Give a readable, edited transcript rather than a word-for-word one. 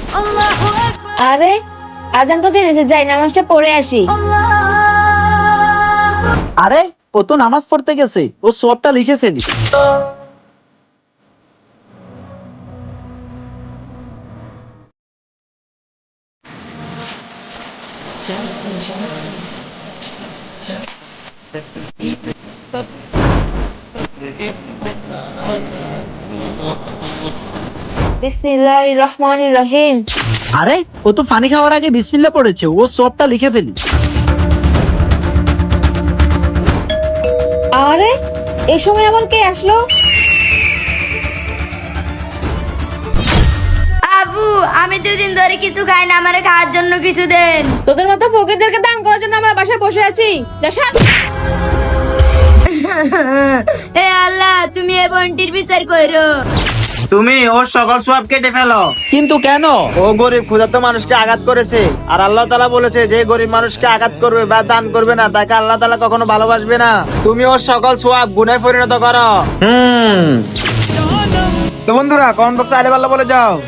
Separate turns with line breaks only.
আরে আজান তো দিয়েছে, যাই নামাজটা পড়ে আসি।
আরে ও তো নামাজ পড়তে গেছে, ও সবটা লিখে ফেলি।
বিসমিল্লাহির রহমানির রহিম।
আরে ও তো পানি খাওয়ার আগে বিসমিল্লাহ পড়েছে, ও সবটা লিখে ফেলি।
আরে এই সময় আবার কে আসলো?
আবু, আমি 2 দিন ধরে কিছু খাই না, আমারে খাওয়ার জন্য কিছু দেন।
তোদের মতো ফকিরদেরকে দান করার জন্য আমরা বাসায় বসে আছি। যা সর।
হে আল্লাহ, তুমি এই বোনটির বিচার করো।
তুমি ওর সকল সওয়াব কেটে ফেলো।
কিন্তু কেন?
ও গরিব ক্ষুধার্ত মানুষকে আঘাত করেছে, আর আল্লাহ তাআলা বলেছে যে গরিব মানুষকে আঘাত করবে বা দান করবে না তাকে আল্লাহ তাআলা কখনো ভালোবাসবে না। তুমি ওর সকল সওয়াব গুনাহে পরিণত করো। তো বন্ধুরা কমেন্ট বক্সে আলে আল্লাহ বলে যাও।